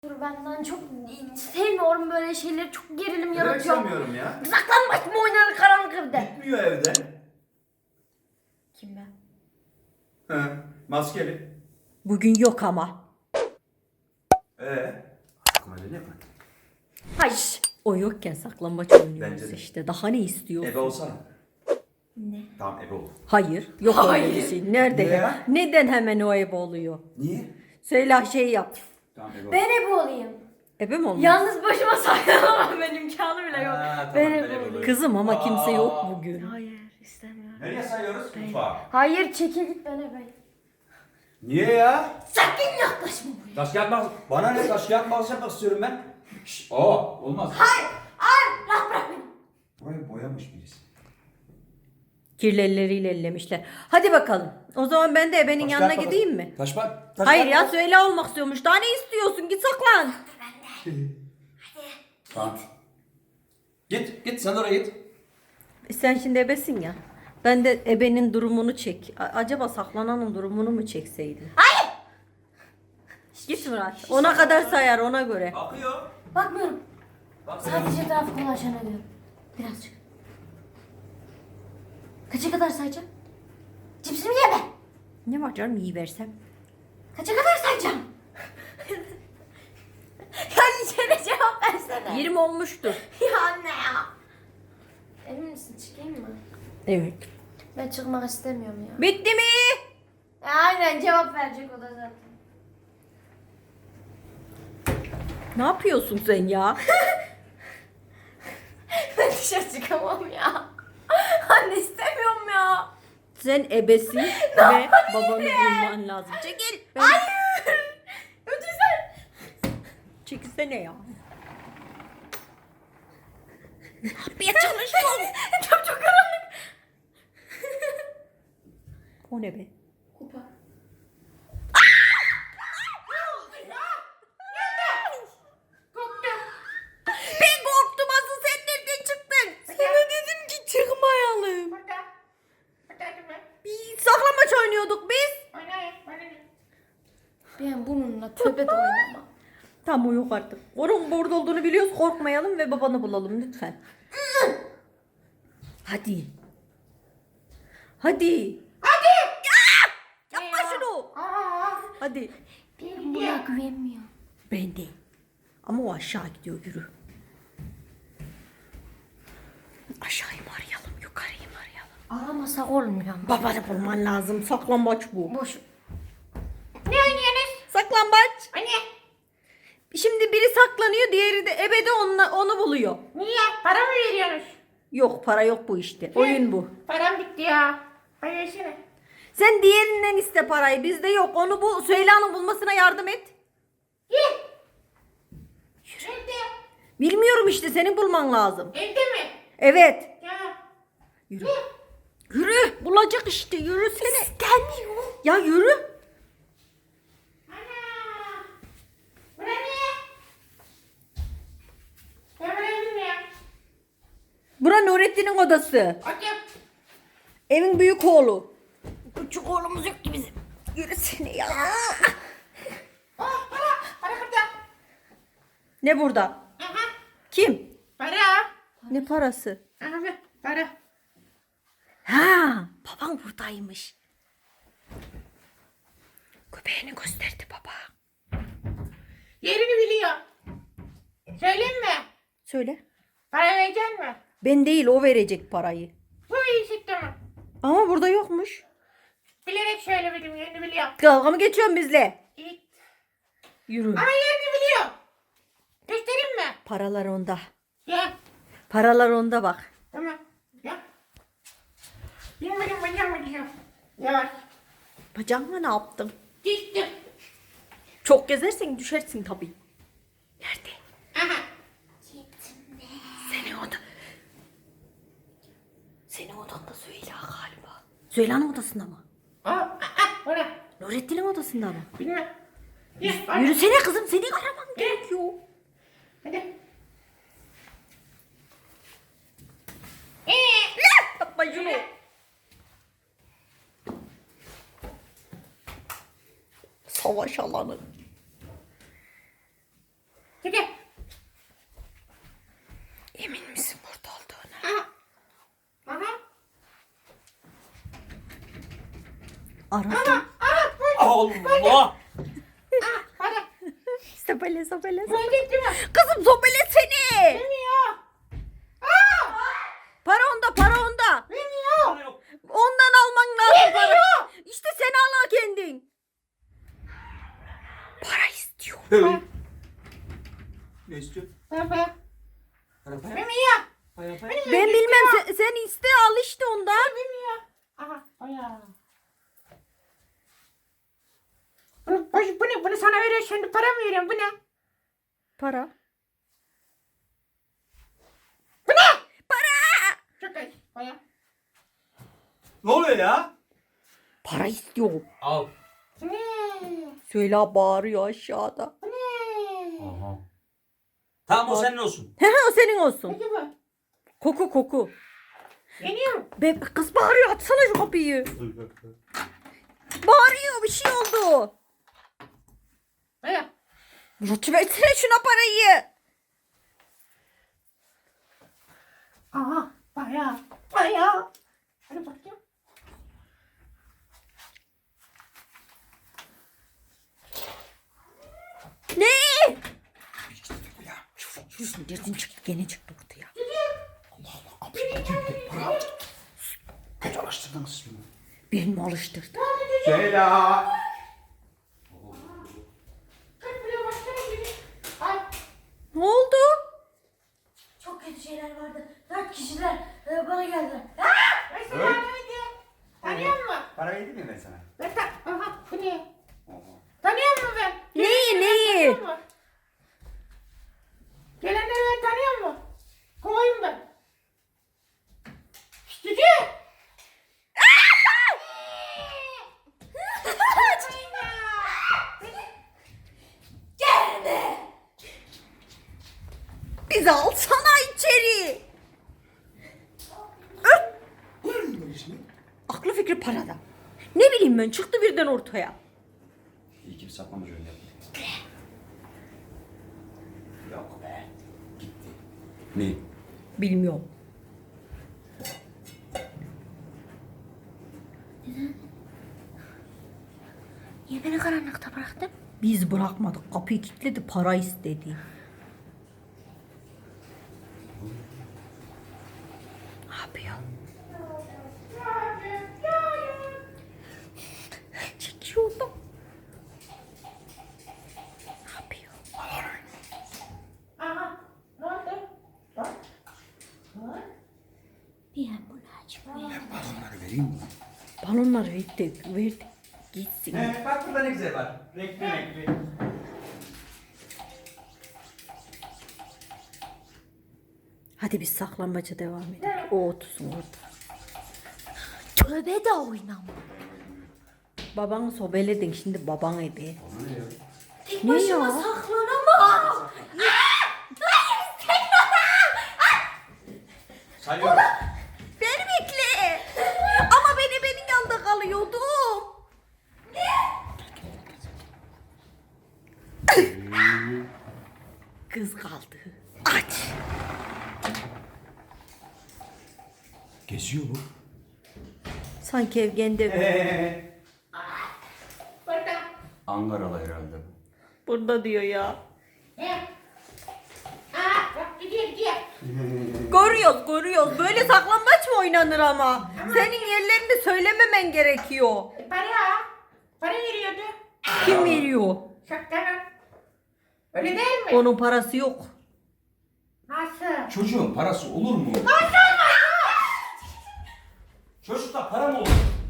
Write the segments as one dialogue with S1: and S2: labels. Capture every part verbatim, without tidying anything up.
S1: Benden çok sevmiyorum böyle şeyleri, çok gerilim yaratıyor.
S2: Sevmiyorum ya.
S1: Saklanmaç mı oynanır karanlık evde?
S2: Gitmiyor evden.
S1: Kim ben?
S2: He, maskeli.
S3: Bugün yok ama.
S2: Ee, aklıma öyle yapma.
S3: Hayır. O yokken saklambaç oynuyoruz
S2: Bence de.
S3: işte. Daha ne istiyorsun?
S2: Ebe olsana.
S1: Ne?
S2: Tamam ebe ol.
S3: Hayır. Yok öyle bir
S1: Hayır.
S3: şey. Nerede?
S2: Niye ya?
S3: Neden hemen o ebe oluyor?
S2: Niye?
S3: Söyle şey yap.
S2: Tamam ebe ol.
S1: Ben ebe olayım.
S3: Ebe mi olmuş?
S1: Yalnız başıma saklanamam, benim imkanı bile yok.
S2: Ha, tamam,
S1: ben
S2: ben
S1: ebe
S2: ebe
S1: olayım.
S2: olayım.
S3: Kızım ama kimse yok
S2: Aa.
S3: bugün.
S1: Hayır, istemiyorum.
S2: Nereye sayıyoruz? Mutfağa.
S1: Hayır, çekil git, ben ebeyim.
S2: Niye ya?
S1: Sakın yaklaşma buraya.
S2: Taş kağıt makas. Bana ne taş kağıt makas yapmak istiyorum ben. Şşş. Aa olmaz.
S1: Hayır, hayır, rahat bırak beni.
S2: Burayı boyamış birisi.
S3: Kirli elleriyle ellemişler. Hadi bakalım. O zaman ben de ebenin
S2: Taş
S3: yanına
S2: kağıt makas.
S3: gideyim mi?
S2: Taş bak. Taş
S3: Hayır
S2: kağıt
S3: ya,
S2: makas.
S3: söyle olmak istiyormuş. Daha ne istiyorsun? Git saklan.
S2: Tamam. Git git sen oraya git.
S3: E sen şimdi ebesin ya. Ben de ebenin durumunu çek. A- acaba saklananın durumunu mu çekseydim?
S1: Hayır.
S3: Git Murat. Ona kadar sayar, ona göre.
S2: Akıyor.
S1: Bakmıyorum.
S2: Bak
S1: Sadece etrafı dolaşan ediyorum. Birazcık. Kaça kadar sayacağım? Cipsimi yeme.
S3: Ne var canım, iyi versem.
S1: Kaça kadar sayacağım? Ya içeri cevap versene.
S3: yirmi olmuştur.
S1: Ya anne ya. Emin misin, çıkayım mı?
S3: Evet.
S1: Ben çıkmak istemiyorum ya.
S3: Bitti mi?
S1: Ya aynen, cevap verecek o da zaten.
S3: Ne yapıyorsun sen ya?
S1: Ben dışarı çıkamam ya. Anne, istemiyorum ya.
S3: Sen ebesin ve babanı bulman lazım. Çekil. Ben...
S1: Hayır. Önce sen.
S3: Çekilsene ya. Ne yapmaya çalışıyorsun?
S1: Çok çok karanlık.
S3: O ne be?
S1: Kupa.
S3: Ben korktum, asıl sen nereden çıktın? Sana dedim ki çıkmayalım. Bir saklambaç oynuyorduk biz.
S1: Ben bununla tövbe de oynamam.
S3: Tamam, o yok artık. Onun burada olduğunu biliyoruz. Korkmayalım ve babanı bulalım lütfen. Hadi. Hadi. Hadi. Ya! Yapma şunu. Hadi.
S1: Ben buna güvenmiyorum.
S3: Ben de. Ama o aşağı gidiyor, yürü. Aşağıyı mı arayalım, yukarıyı mı arayalım?
S1: Aramasak olmuyor ama.
S3: Babanı bulman lazım. Saklambaç bu.
S1: Boş. Ne oynuyorsunuz?
S3: Saklambaç.
S1: Anne.
S3: Şimdi biri saklanıyor, diğeri de ebe de onunla, onu buluyor.
S1: Niye? Para mı veriyorsunuz?
S3: Yok, para yok bu işte. Oyun bu.
S1: Param bitti ya. Hadi versene.
S3: Sen diğerinden iste parayı. Bizde yok. Onu bu Süheyla'nın bulmasına yardım et.
S1: Gel. Nerede?
S3: Bilmiyorum işte, senin bulman lazım.
S1: Evde mi?
S3: Evet.
S1: Ya.
S3: Yürü. Yürü. Bulacak işte. Yürüsene.
S1: Gelmiyor.
S3: Ya yürü.
S1: Ana. Bu ne? Ben buraya bilmiyorum.
S3: Bura Nurettin'in odası.
S1: Açım.
S3: Evin büyük oğlu. Küçük oğlumuz yok ki bizim. Yürüsene ya.
S1: Oh, para. Para burada.
S3: Ne burada?
S1: Aha.
S3: Kim?
S1: Para.
S3: Ne parası?
S1: Aha, para.
S3: Ha, babam buradaymış. Köpeğini gösterdi baba.
S1: Yerini biliyor. Söyleyeyim mi?
S3: Söyle.
S1: Para verecek mi?
S3: Ben değil, o verecek parayı.
S1: Bu iyi çıktı mı?
S3: Ama burada yokmuş.
S1: Bilerek söylemedim, yerini biliyor.
S3: Dalga mı geçiyorsun bizle?
S1: İyi.
S3: Yürü.
S1: Ama yerini biliyor. Göstereyim mi?
S3: Paralar onda.
S1: Gel.
S3: Paralar onda bak.
S1: Tamam. Gel. Bilmedim, bacağım acıyor. Yavaş.
S3: Bacağınla ne yaptın?
S1: Düştüm.
S3: Çok gezersen düşersin tabii. Nerede?
S1: Aha.
S3: Senin oda. Senin odanda Süheyla galiba. Süheyla'nın odasında mı?
S1: Aa, aa, oraya.
S3: Nurettin'in odasında mı?
S1: Bilmem. Gel, oraya.
S3: Yürüsene kızım, seni araman gerekiyor.
S1: Hadi. Ee,
S3: Yapma şunu. Savaş alanı.
S4: Çekil.
S3: Emin misin burada olduğuna?
S4: Aha. Aha.
S3: Aradım.
S4: Aha.
S2: Allah!
S4: Hadi.
S3: Sobele sobele.
S4: Görecek değil mi?
S3: Kızım sobelesene.
S4: Bilmiyor. Aa.
S3: Para onda para onda.
S4: Bilmiyor.
S3: Ondan alman lazım para.
S4: Bilmiyor.
S3: İşte sen al kendin. Para istiyor.
S2: Ne istiyorsun?
S4: Para para.
S2: Para para.
S4: Bilmiyor.
S2: Para para.
S3: Ben bilmem sen, sen iste al işte ondan.
S4: Bilmiyor. Aha. Aya. Bunu, bu, bu ne? Bunu sana veriyor şimdi para mı veriyorum? Bu ne?
S3: Para.
S4: Bu ne?
S3: Para.
S4: Çok az. Para.
S2: Ne oluyor ya?
S3: Para istiyor.
S2: Al.
S4: Bu ne?
S3: Söyle bağırıyor aşağıda.
S4: Bu ne?
S2: Aha. Tamam o senin olsun.
S3: He he o senin olsun.
S4: Peki bu.
S3: Koku koku.
S4: Yeniyor mu?
S3: Be kız bağırıyor açsana şu kapıyı. Bağırıyor bir şey oldu.
S4: Aya.
S3: Rütü versene şuna parayı.
S4: Aha. Para. Para. Hadi bakayım.
S3: Ne?
S2: Ya.
S3: Şurası nereden çıktı gene çıktı ortaya.
S2: Allah Allah. Kapıyı getirdi. Para. Kaç alıştırdınız siz bunu?
S3: Birini mi alıştırdı?
S2: Ceyla.
S4: Kaç buraya başlayalım gibi. Ay.
S3: Ne oldu?
S1: Çok kötü şeyler vardı. Dört kişiler e, bana geldiler.
S4: Ben sana yardım edeyim. Tanıyor musun?
S2: Para verdim mi ben sana?
S4: Ben ta... Aha. Bu ne?
S2: Oha.
S4: Tanıyor musun ben?
S3: Neyi, neyi?
S4: Tanıyor musun? Gelenleri ben tanıyor musun? Kovayım ben. Cici.
S1: Gelme.
S3: Bizi alsana içeri. Öp. Aklı fikri parada. Ne bileyim ben çıktı birden ortaya.
S2: İyi ki bir saklamış öyle yaptı. Yok be. Gitti. Ne?
S3: Bilmiyorum.
S1: Niye beni karanlıkta bıraktın?
S3: Biz bırakmadık. Kapıyı kilitledi para istedi. Ne yapıyor? Çekiyordum. Ne yapıyor?
S4: Aha. Ne oldu? Bak.
S1: Niye bunu açmıyor?
S2: Balonları vereyim mi?
S3: Balonları verdik, verdik. Gitsin.
S2: He, bak burada ne güzel var. Renkli renkli.
S3: Hadi biz saklambaca devam edelim. O otursun orada.
S1: Tövbe de oynama.
S3: Babanı sobeledin şimdi baban ebe.
S2: Ona ne ya?
S1: Tek
S3: Ne
S1: başıma
S3: ya?
S1: saklanamam.
S2: Sayıyorum.
S3: Beni bekle. Ama ben ebenin yanında kalıyordum. Kız kaldı. Aç.
S2: Geziyor bu.
S3: Sanki evgende
S2: Eee.
S4: Burada.
S2: Ankaralı herhalde bu.
S3: burada diyor ya.
S4: Ne? Aa. Bak gidiyor gidiyor.
S3: Görüyoruz görüyoruz. Böyle saklambaç mı oynanır ama? Senin yerlerini söylememen gerekiyor.
S4: E, para. Para veriyordu.
S3: Kim veriyor?
S4: Şaktanın. Öyle değil mi?
S3: Onun parası yok.
S4: Nasıl?
S2: Çocuğun parası olur mu? Çocukta para mı olur?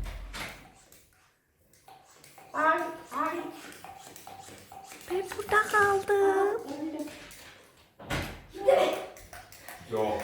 S4: Ay ay.
S3: Ben burada kaldım.
S2: Yok.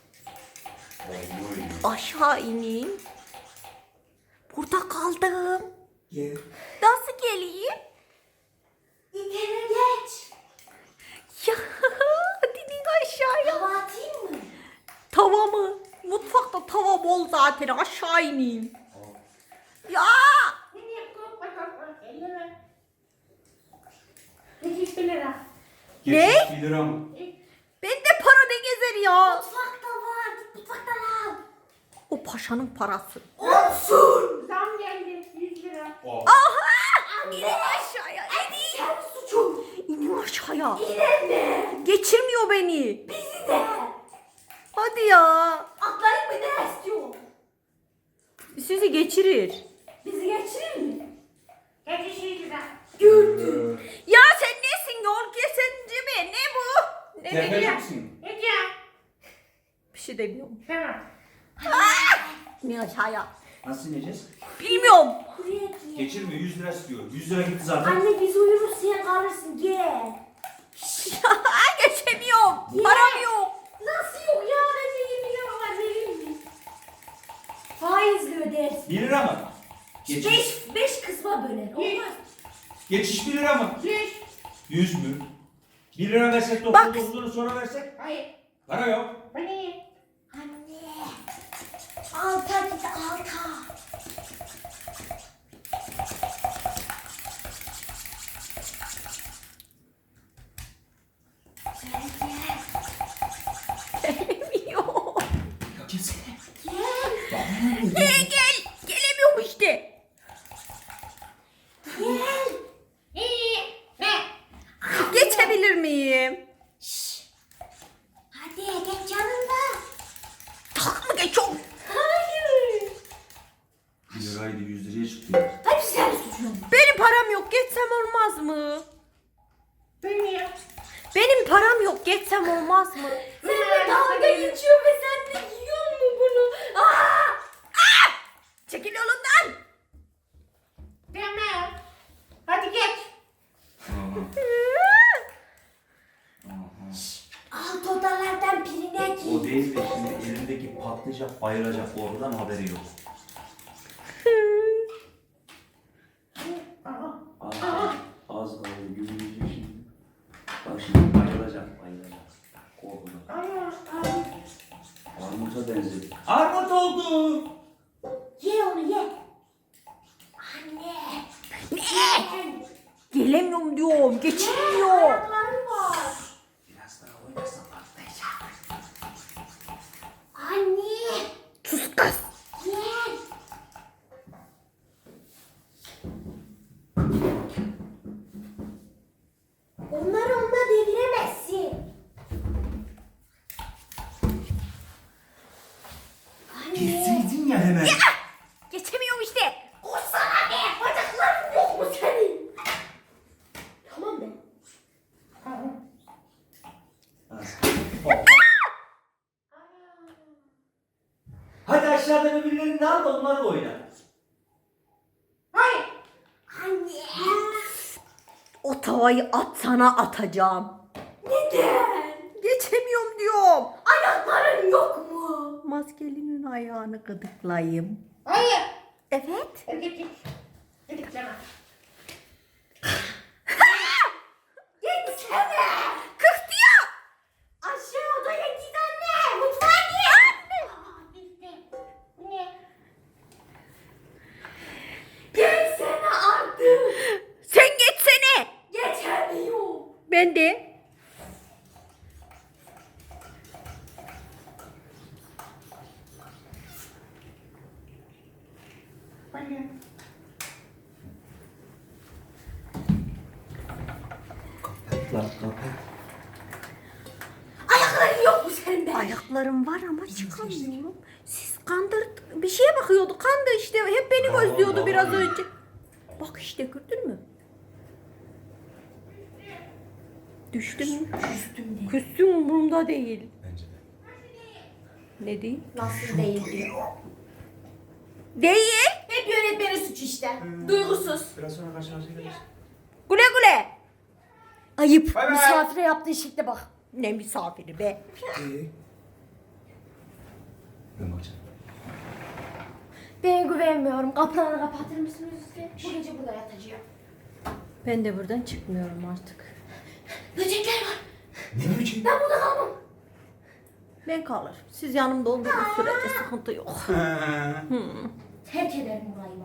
S3: Aşağı ineyim. Burada kaldım.
S2: Gel.
S3: Nasıl geleyim?
S1: İtene geç.
S3: Ya hadi in aşağıya.
S1: Hava atayım mı?
S3: Tava mı? Mutfakta tava bol zaten aşağı ineyim. Ya
S4: Nereye koy? Bak bak bak. Elleme. Sekiz bin lira.
S2: Geçiş
S3: Ne?
S2: bir lira mı?
S3: Bende para ne gezer ya?
S1: Mutfakta var. Git mutfaktan al.
S3: O paşanın parası.
S1: Olsun.
S4: Zam geldi yüz lira.
S2: Oh.
S3: İnin aşağıya.
S1: Sen suçum.
S3: İnin aşağıya.
S1: İnanma.
S3: Geçirmiyor beni.
S1: Bizi de.
S3: Hadi ya.
S1: Atlayıp mı ne istiyor?
S3: Sizi geçirir.
S1: Bizi geçirir mi?
S4: Geçiş yüz lira.
S1: Gördüm.
S3: Ya sen nesin yol kesinci mi? Ne bu? Ne
S2: Tefeci
S3: diyeceğim?
S2: misin?
S4: Ne diyor?
S3: Bir şey demiyorum.
S4: Tamam.
S3: İnin aşağıya.
S2: Nasıl ineceğiz?
S3: Bilmiyorum.
S1: Buraya gel.
S2: Geçirme yüz lira istiyor. yüz lira gitti zaten.
S1: Anne biz uyuruz sen kalırsın gel.
S3: Geçemiyorum.
S1: Niye?
S3: Param yok.
S1: Nasıl yok ya? Bence yirmi lira var verir mi? Faizle ödersin.
S2: bir lira mı? Geçiş,
S1: Beş, beş kısma böler. Olmaz.
S2: geçiş bir lira mı?
S4: Yüz.
S2: yüz mü? bir lira versek
S3: Bak.
S2: dokuz dokuzunu sonra versek?
S4: Hayır.
S2: Para yok.
S4: Bu ne?
S1: Anne. Alta git alta. Gel gel.
S3: Gelemiyor.
S2: Ya gelsene.
S1: Gel.
S3: Gel gel. Gelemiyorum işte.
S1: Gel.
S4: İyi. Ne?
S3: Geçebilir miyim?
S1: Şşş. Hadi geç yanımda.
S3: Tak mı geçiyorum?
S1: Hayır.
S2: bir liraydı yüz liraya çıktı.
S1: Hadi sen suçun.
S3: Benim param yok. Geçsem olmaz mı?
S4: Bu ne?
S3: Benim param yok. Geçsem olmaz mı?
S1: Sen de dalga geçiyor ve sen de yiyor mu bunu? Aa!
S3: Çekil yolundan.
S4: Tamam. Hadi geç.
S1: Alt odalardan birine
S2: O
S1: git.
S2: değil de şimdi elindeki patlayacak, bayılacak oradan haberi yok.
S4: Aha.
S2: Az, az kaldı, gülmeyecek şimdi. Bak şimdi bayılacak, bayılacak. Korkudan.
S4: Ama. ama-
S2: Armut'a benzedi. Armut oldu!
S1: Ye onu ye. Anne.
S3: Ne? Gelemiyorum diyorum. Geçilmiyor.
S1: Ayakları var.
S2: Biraz daha oynarsan patlayacak.
S1: Anne.
S3: Sus kız.
S1: Gel. Onları onunla deviremezsin. Anne.
S2: Gitseydin ya hemen.
S3: Geçemiyorum işte.
S1: Koşsana be. Bacakların yok mu senin? Tamam be.
S2: Hadi aşağıda birbirlerini de al da onlarla oyna.
S4: Hayır.
S1: Anne.
S3: O tavayı at sana atacağım.
S1: Neden?
S3: Geçemiyorum diyorum.
S1: Ayakların yok mu?
S3: Maskelinin ayağını gıdıklayayım.
S4: Hayır.
S3: Evet.
S4: Hadi geç. Hadi tamam.
S1: Gitsene.
S3: Kıhtı ya.
S1: Aşağı odaya git anne. Mutfağa git.
S4: Aa, bitti. Bu ne?
S1: Gelsene artık.
S3: Sen geçsene.
S1: Geçemiyor.
S3: Ben de.
S4: Bu ne?
S2: Lan kapat.
S1: Ayakların yok mu sende?
S3: Ayaklarım var ama çıkamıyorum. Siz kandır bir şeye bakıyordu. Kandı işte. Hep beni
S2: Vallahi
S3: gözlüyordu biraz
S2: vallahi.
S3: önce. Bak işte gördün mü? Düştüm mü?
S1: Üstümde.
S3: Küstüm umurumda değil.
S2: Bence de.
S3: Ne değil?
S1: Nasıl değil diyor.
S3: Değil.
S1: Hep yönetmenin suçu işte. Duygusuz.
S2: Biraz sonra karşılaşacağız.
S3: Güle güle. Ayıp.
S2: Bay bay.
S1: Misafire yaptığı şekle bak.
S3: Ne misafiri be.
S2: İyi. Ben bakacağım.
S1: Ben güvenmiyorum. Kapıları kapatır mısınız lütfen? Bu gece burada yatacağım.
S3: Ben de buradan çıkmıyorum artık.
S1: Böcekler var.
S2: Ne biçim?
S1: Ben burada kalmam.
S3: Ben kalır. Siz yanımda olduğunuz sürece sıkıntı yok.
S1: Terk ederim burayı.